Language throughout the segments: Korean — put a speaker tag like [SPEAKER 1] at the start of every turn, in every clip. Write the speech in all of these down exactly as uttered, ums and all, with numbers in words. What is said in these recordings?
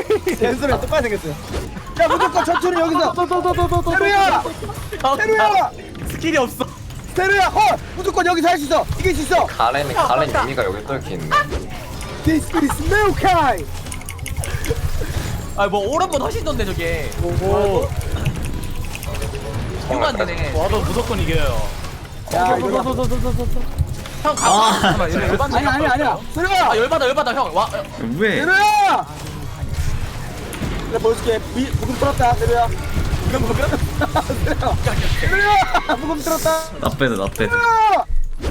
[SPEAKER 1] 댄스랑 똑같이 생겼어요. 야 무조건 천천히 여기서. 세루야, 세루야,
[SPEAKER 2] 스킬이 없어.
[SPEAKER 1] 세루야, 헐, 무조건 여기서 할 수 있어. 이길 수 있어.
[SPEAKER 3] 가렌이 가렌 유미가 여기 또 이렇게 있네.
[SPEAKER 1] This is Maokai.
[SPEAKER 2] 아뭐 오른번 하시던데 저게.
[SPEAKER 1] 오.
[SPEAKER 2] 이거 안 되네.
[SPEAKER 4] 와도 무조건 이겨요.
[SPEAKER 1] 야 이거.
[SPEAKER 2] 형 가.
[SPEAKER 4] 아,
[SPEAKER 2] 잠깐만 얘네 열받네.
[SPEAKER 1] 아니 아니 아니야. 세루야,
[SPEAKER 2] 아 열받아 열받아 형. 와.
[SPEAKER 5] 왜?
[SPEAKER 1] 세루야. 내가 보여줄게. 미, 부금 풀었다, 세루야. 부금 부금. 세루야, 세루야, 부금 틀었다.
[SPEAKER 5] 나 빼드 나 빼드.
[SPEAKER 1] 세루야.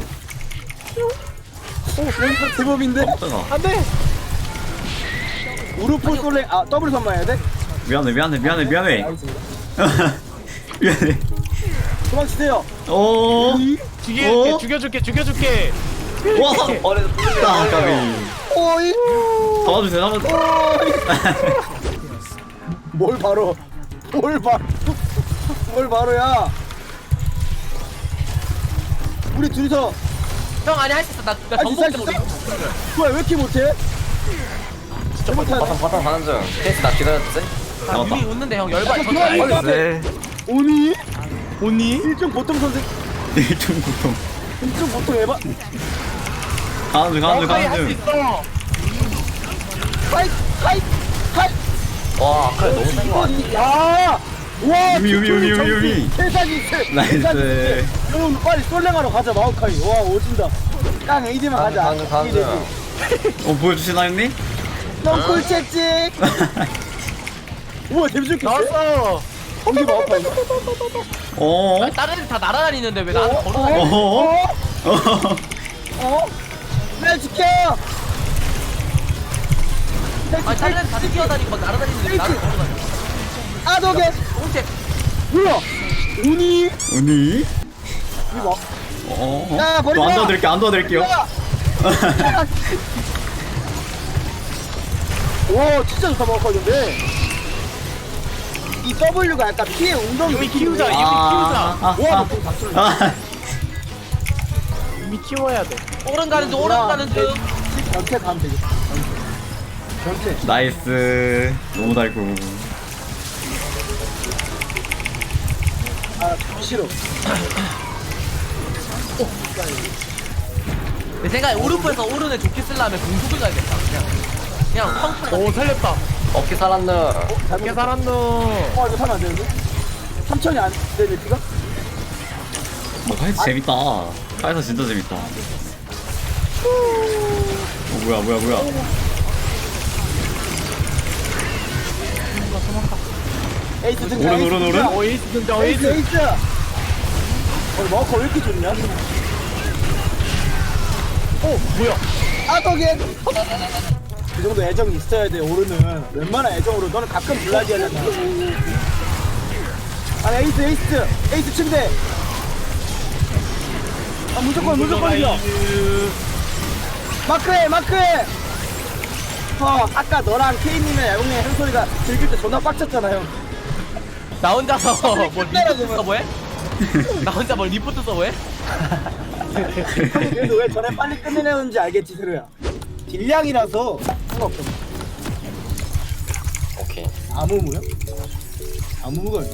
[SPEAKER 1] 오, 왼쪽 제법인데.
[SPEAKER 5] 깜짝아.
[SPEAKER 1] 안돼. 우르프 솔랭 아 더블 선마해야 돼?
[SPEAKER 5] 미안해 미안해 미안해 미안해.
[SPEAKER 1] 알겠습니다.
[SPEAKER 5] 미안해.
[SPEAKER 1] 도망치세요.
[SPEAKER 5] 오.
[SPEAKER 4] 죽여,
[SPEAKER 5] 어?
[SPEAKER 4] 죽여줄게, 죽여줄게.
[SPEAKER 5] 와.
[SPEAKER 3] 어레도
[SPEAKER 5] 아, 까비.
[SPEAKER 1] 오이.
[SPEAKER 5] 잡아주세요 잡아주세요.
[SPEAKER 1] 오이. 뭘 바로? 뭘 바? 뭘 바로야? 우리 둘이서
[SPEAKER 2] 형 아니 할 수 있어. 나나
[SPEAKER 1] 할수
[SPEAKER 2] 정복
[SPEAKER 1] 있어,
[SPEAKER 2] 좀
[SPEAKER 1] 할수 있어? 뭐야 왜 이렇게 못해? 진짜 못하네.
[SPEAKER 3] 바탕 바탕 가는 중. 케이스 나 기다렸지?
[SPEAKER 5] 잡았다.
[SPEAKER 2] 유미 웃는데 형 열받.
[SPEAKER 1] 아, 좋아, 이거.
[SPEAKER 3] 네.
[SPEAKER 1] 오니?
[SPEAKER 4] 오니?
[SPEAKER 1] 일종 보통 선생.
[SPEAKER 5] 일중 고통.
[SPEAKER 1] 일종 보통 해봐.
[SPEAKER 5] 가는 중 가는 중
[SPEAKER 4] 할수
[SPEAKER 5] 가는 중.
[SPEAKER 4] 있어.
[SPEAKER 1] 하이 하이 하이.
[SPEAKER 3] 와 아까 너무 센거 아니야?
[SPEAKER 1] 야. 와.
[SPEAKER 5] 유미, 유미, 유미, 유미, 유미.
[SPEAKER 1] 세상이 세.
[SPEAKER 5] 나이스.
[SPEAKER 1] 여러분 빨리 솔랭하러 가자 마오카이. 와 오진다. 깡 에이디만 가자.
[SPEAKER 3] 가는 가는
[SPEAKER 1] 이제
[SPEAKER 3] 중.
[SPEAKER 5] 어 보여주시나 형님?
[SPEAKER 1] 넌 꿀채찍. 우와 데뷔 줄게.
[SPEAKER 4] 나왔어.
[SPEAKER 1] 거기 마오카이.
[SPEAKER 5] 어?
[SPEAKER 2] 다른 애들 다 날아다니는데 왜 나한테 걸어다니?
[SPEAKER 5] 어?
[SPEAKER 1] 어?
[SPEAKER 5] 어?
[SPEAKER 1] 어? 날 지켜.
[SPEAKER 2] 아니 다른 애들 다들 뛰어다니고 막 날아다니는데 왜 나를 걸어다니?
[SPEAKER 1] 아도게.
[SPEAKER 2] 오른쪽.
[SPEAKER 1] 뭐야? 오니?
[SPEAKER 5] 언니?
[SPEAKER 1] 이거.
[SPEAKER 5] 어?
[SPEAKER 1] 야, 버리지
[SPEAKER 5] 안
[SPEAKER 1] 마.
[SPEAKER 5] 도와드릴게요 안 도와드릴게요.
[SPEAKER 1] 와 진짜 좋다 마오카이 근데. 이 W가 약간 피해 운동
[SPEAKER 4] 유미 키우자, 유미
[SPEAKER 5] 아, 아,
[SPEAKER 1] 와,
[SPEAKER 5] 아,
[SPEAKER 1] 너다 쏠려.
[SPEAKER 5] 아.
[SPEAKER 4] 이미 키워야 돼.
[SPEAKER 2] 오른 가는 중 오른 가는 중.
[SPEAKER 1] 전체 가면 되겠다. 전체.
[SPEAKER 5] 나이스. 너무 달고.
[SPEAKER 1] 아 싫어.
[SPEAKER 2] 내 생각에 오른쪽에서 오른에 좋게 쓰려면 공속을 가야겠다. 그냥 그냥 펑펑.
[SPEAKER 4] 오, 살렸다.
[SPEAKER 3] 어깨 살았네.
[SPEAKER 4] 어떻게 살았노?
[SPEAKER 1] 어 이거 타면 안 되는데? 삼천이 안 되네 피가?
[SPEAKER 5] 뭐 카이사 재밌다. 카이사 진짜 재밌다. 어 뭐야 뭐야 뭐야.
[SPEAKER 1] 에이스 등장.
[SPEAKER 5] 오른,
[SPEAKER 1] 에이스
[SPEAKER 5] 오른,
[SPEAKER 1] 등장.
[SPEAKER 5] 오른.
[SPEAKER 4] 어, 에이스 등장,
[SPEAKER 1] 에이스
[SPEAKER 4] 에이스.
[SPEAKER 1] 에이스. 어 마오카 왜 이렇게 좋냐?
[SPEAKER 4] 어, 뭐야?
[SPEAKER 1] 아도게. 그 정도 애정이 있어야 돼 오르는. 웬만한 애정으로 너는 가끔 블라디 하잖아. 아 에이스 에이스 에이스 침대. 아 무조건 무조건 이겨. 마크해 마크해. 어 아까 너랑 케이님의 야구님 한 소리가 즐길 때 존나 빡쳤잖아요.
[SPEAKER 2] 나 혼자서 뭘
[SPEAKER 1] 끝내라,
[SPEAKER 2] 리포트 서버해? 나 혼자 뭘 리포트 서버해?
[SPEAKER 1] 형이 그래도 왜 전에 빨리 끝내려는지 알겠지 세루야. 딜량이라서 상관없어.
[SPEAKER 3] 오케이.
[SPEAKER 1] 아무 무요? 아무걸.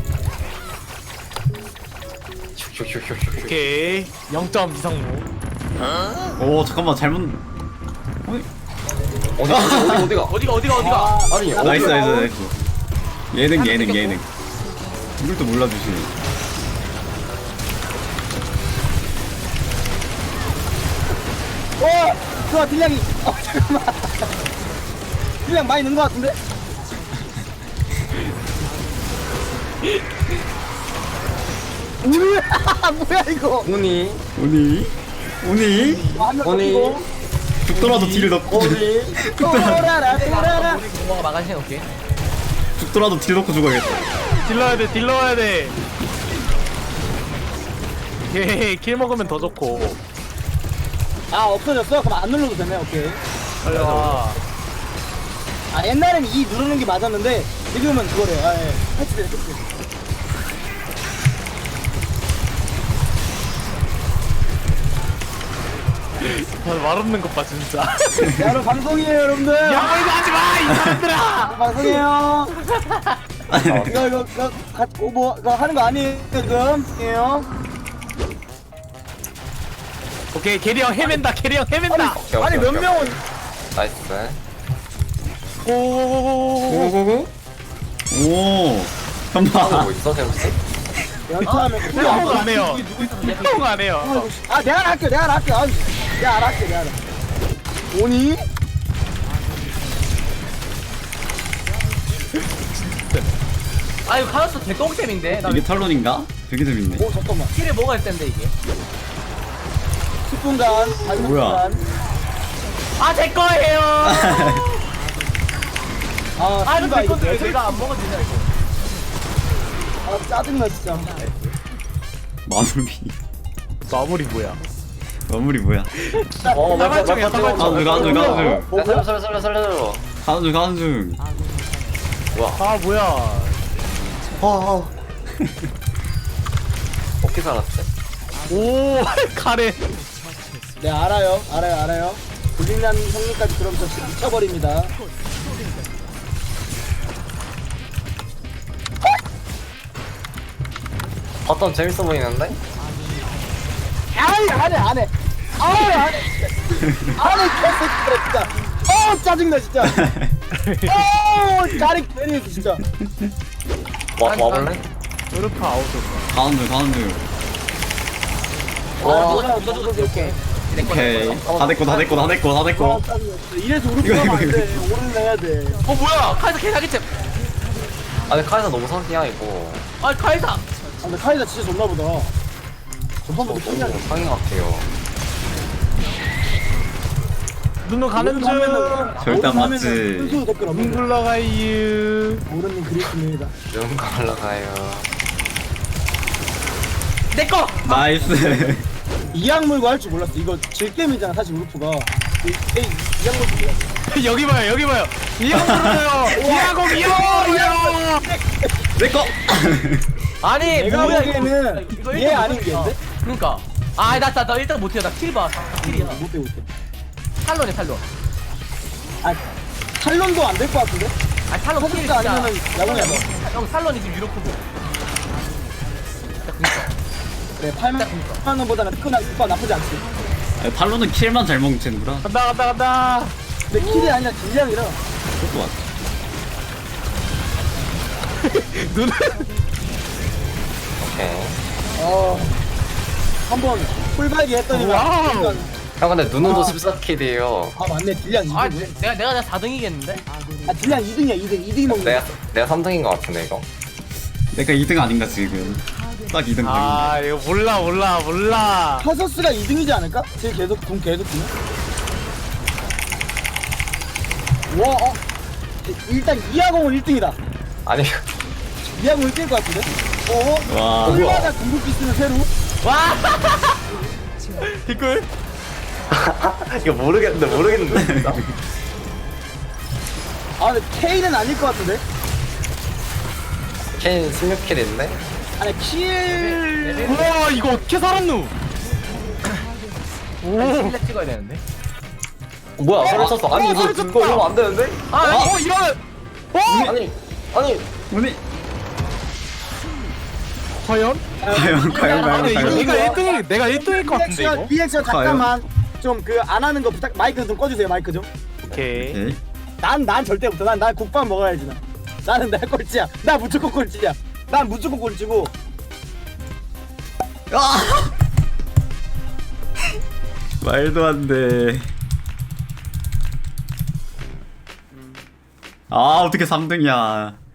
[SPEAKER 3] 슉슉슉슉슉.
[SPEAKER 4] 오케이 영 점 이상무.
[SPEAKER 5] 오 잠깐만 잘못. 어이?
[SPEAKER 3] 어디 어디 어디가?
[SPEAKER 2] 어디가 어디가 어디가
[SPEAKER 1] 아,
[SPEAKER 3] 아니
[SPEAKER 1] 나-
[SPEAKER 5] 나이스
[SPEAKER 3] 어디가?
[SPEAKER 5] 나이스 나이스. 예능 예능 예능. 이걸 또 몰라주시네.
[SPEAKER 1] 어, 좋아 딜량이. 어 잠깐만. 딜량 많이 넣은 것 같은데? 우와, 뭐야 이거?
[SPEAKER 3] 오니
[SPEAKER 5] 오니 오니
[SPEAKER 1] 한명
[SPEAKER 3] 오니
[SPEAKER 1] 고
[SPEAKER 5] 죽더라도 딜을 넣고
[SPEAKER 3] 오니.
[SPEAKER 1] 또라라 또라라.
[SPEAKER 2] 우리 공모가 마가신 오케이.
[SPEAKER 5] 죽더라도 딜 넣고 죽어야겠다.
[SPEAKER 4] 딜러야 돼 딜러야 돼. 오케이 킬 먹으면 더 좋고.
[SPEAKER 1] 아 없어졌어? 그럼 안 눌러도 되네. 오케이.
[SPEAKER 4] 빨리 와.
[SPEAKER 1] 아 옛날에는 이 누르는 게 맞았는데 지금은 그거래요. 아 예. 패치돼 패치.
[SPEAKER 4] 말 없는 것 봐 진짜.
[SPEAKER 1] 야, 여러분 방송이에요 여러분들.
[SPEAKER 4] 야 이거 하지 마 이 사람들아.
[SPEAKER 1] 방송이에요. 이거 이거 이거 가, 어, 뭐 이거 하는 거 아니에요 지금? 예요.
[SPEAKER 4] 오케이 캐리 형 헤맨다 캐리 형 헤맨다.
[SPEAKER 3] 오케이,
[SPEAKER 1] 아니
[SPEAKER 3] 오케이,
[SPEAKER 1] 몇
[SPEAKER 3] 오케이.
[SPEAKER 1] 명은
[SPEAKER 3] 나이스.
[SPEAKER 4] 오오오오오.
[SPEAKER 5] 고고고. 오. 잠깐만.
[SPEAKER 3] 뭐 있어 샘씨?
[SPEAKER 1] 연타하면
[SPEAKER 4] 형 안 해요. 형 안 해요.
[SPEAKER 1] 아 내가 알아 할게 내가 알아 할게. 아, 내가 알아 할게 내가 알아. 오니?
[SPEAKER 2] 아 이거 카라스 개똥템인데. 나
[SPEAKER 5] 이게 탈론인가? 되게 재밌네.
[SPEAKER 1] 오 잠깐만.
[SPEAKER 2] 킬을 먹어야 텐데 이게.
[SPEAKER 1] 십 분간 마지막
[SPEAKER 5] 뭐야?
[SPEAKER 1] 분간.
[SPEAKER 2] 아 제 거예요.
[SPEAKER 1] 아
[SPEAKER 2] 아 이거
[SPEAKER 1] 씨발,
[SPEAKER 2] 제 건데 왜
[SPEAKER 1] 이거
[SPEAKER 2] 내가 안 먹어지냐 이거.
[SPEAKER 1] 아 짜증나 진짜.
[SPEAKER 5] 마무리.
[SPEAKER 4] 마무리 뭐야?
[SPEAKER 5] 마무리 뭐야?
[SPEAKER 3] 어 맞다 맞다
[SPEAKER 4] 사발총이야,
[SPEAKER 3] 맞다.
[SPEAKER 5] 가는 중 가는 중 가는 중.
[SPEAKER 1] 뭐,
[SPEAKER 3] 야 살려 살려 살려 살려.
[SPEAKER 5] 가는 중 가는 중.
[SPEAKER 4] 아 뭐야?
[SPEAKER 3] 어떻게 살았지?
[SPEAKER 4] 오 카레.
[SPEAKER 1] 네 알아요 알아요 알아요. 불린난 형님까지 그럼 저 진짜 미쳐버립니다.
[SPEAKER 3] 어떤 재밌어 보이는데?
[SPEAKER 1] 아이 안해 안해. 아이 안해. 안해 개새끼들아 진짜. 어 짜증나 진짜. 어 짜릿 괜히 진짜.
[SPEAKER 3] 와 와볼래?
[SPEAKER 4] 으르프 아웃이었어.
[SPEAKER 5] 가는 중 가는 중.
[SPEAKER 2] 아
[SPEAKER 3] 와.
[SPEAKER 2] 누가 누가 누가 이렇게.
[SPEAKER 5] 오케이. 다 됐고 다 됐고 다 됐고 다
[SPEAKER 1] 아,
[SPEAKER 5] 됐고.
[SPEAKER 1] 짜증나. 이래서 우리 부가면 안 돼. 오늘 내야 돼.
[SPEAKER 2] 어 뭐야 카이사 개사기템.
[SPEAKER 3] 아니 카이사 너무 사기야 이거.
[SPEAKER 2] 아 카이사.
[SPEAKER 1] 아, 근데 카이사 진짜 좋나 보다. 전반부터
[SPEAKER 3] 너무
[SPEAKER 1] 신기하네.
[SPEAKER 3] 상인 같아요.
[SPEAKER 4] 눈으로 가는 중.
[SPEAKER 5] 절대 안 맞지.
[SPEAKER 1] 순수 댓글 없는 거.
[SPEAKER 4] 굴러가유.
[SPEAKER 1] 모르는 그리스입니다.
[SPEAKER 3] 눈 갈라가요.
[SPEAKER 2] 내 거.
[SPEAKER 5] 나이스.
[SPEAKER 1] 이악물고 할 줄 몰랐어. 이거 질겜이잖아 사실 우르프가. 이- 이- 이악물고 몰랐어.
[SPEAKER 4] 여기 봐요 여기 봐요. 이형으로요. 이하고 이하고.
[SPEAKER 5] 내 거.
[SPEAKER 2] 아니
[SPEAKER 1] 내가
[SPEAKER 2] 뭐야
[SPEAKER 1] 보기에는
[SPEAKER 2] 이거
[SPEAKER 1] 얘
[SPEAKER 2] 일단
[SPEAKER 1] 아닌 게
[SPEAKER 2] 못-
[SPEAKER 1] 있는데?
[SPEAKER 2] 어, 그러니까. 아나나 나 일단 못해요. 나 킬 봐. 킬이야.
[SPEAKER 1] 못 배고 있대.
[SPEAKER 2] 탈론이 탈론.
[SPEAKER 1] 아 탈론도 안 될 것 같은데?
[SPEAKER 2] 아 탈론 킬
[SPEAKER 1] 포스가
[SPEAKER 2] 진짜.
[SPEAKER 1] 아니면은 야구냐 뭐.
[SPEAKER 2] 형 탈론이 지금 유로크고.
[SPEAKER 1] 네 팔만 원보다는 크나 오빠 나쁘지 않지.
[SPEAKER 5] 아니, 탈론은 킬만 잘 멍치는구나.
[SPEAKER 4] 간다 간다 간다.
[SPEAKER 1] 근데 킬이 아니라 질량이라.
[SPEAKER 5] 그것도 맞아.
[SPEAKER 4] 눈.
[SPEAKER 3] 오케이.
[SPEAKER 1] 어 한번 풀발기 했더니만.
[SPEAKER 4] 와우.
[SPEAKER 1] 일단,
[SPEAKER 3] 형 근데 눈으로
[SPEAKER 1] 아.
[SPEAKER 3] 십사 킬이에요.
[SPEAKER 1] 아 맞네 딜량 이 등.
[SPEAKER 2] 아
[SPEAKER 1] 아,
[SPEAKER 2] 내가 내가 내가 사 등이겠는데?
[SPEAKER 1] 아 딜량 이 등이야 이 등. 이 등이 먹는
[SPEAKER 3] 내가
[SPEAKER 1] 거야.
[SPEAKER 3] 내가 삼 등인 것 같은데 이거.
[SPEAKER 5] 내가 이 등 아닌가 지금. 딱 이 등 각인데.
[SPEAKER 4] 아 이거 몰라 몰라 몰라.
[SPEAKER 1] 카서스가 이 등이지 않을까? 제 계속 돈 계속 주네. 와 어. 일단 이하공은 일 등이다.
[SPEAKER 3] 아니
[SPEAKER 1] 이하공 일 등일 것 같은데? 어?
[SPEAKER 5] 와.
[SPEAKER 1] 얼마나 궁극기 쓰는 새로?
[SPEAKER 2] 와.
[SPEAKER 4] 댓글.
[SPEAKER 3] 이거 모르겠는데 모르겠는데 진짜.
[SPEAKER 1] 아 근데 K는 아닐 것 같은데?
[SPEAKER 3] 케인 십육 킬인데?
[SPEAKER 1] 아니 킬...
[SPEAKER 4] 우와 이거 어떻게 살았누? 오.
[SPEAKER 2] 킬레 찍어야 되는데.
[SPEAKER 3] 어, 뭐야 소리 쳤어. 아니
[SPEAKER 4] 어,
[SPEAKER 3] 이거
[SPEAKER 4] 소리
[SPEAKER 3] 이거
[SPEAKER 4] 쳤다.
[SPEAKER 3] 이러면 안 되는데?
[SPEAKER 4] 아, 어 이런. 어.
[SPEAKER 3] 아니 아니
[SPEAKER 5] 오니.
[SPEAKER 4] 과연?
[SPEAKER 5] 과연 과연 과연
[SPEAKER 4] 아니 이거
[SPEAKER 5] 과연.
[SPEAKER 4] 내가 일 등일 내가 일 등일 것 같은데
[SPEAKER 1] 리액션
[SPEAKER 4] 이거.
[SPEAKER 1] 리액션 잠깐만 좀 그 안 하는 거 부탁 마이크 좀 꺼주세요 마이크 좀.
[SPEAKER 4] 오케이.
[SPEAKER 5] 오케이.
[SPEAKER 1] 난 난 절대 못해. 난 난 국밥 먹어야지 나. 나는 내 꼴찌야. 나 무조건 꼴찌야. 난 무조건 꼴찌고.
[SPEAKER 5] 아! 말도 안 돼. 아 어떻게 삼 등이야.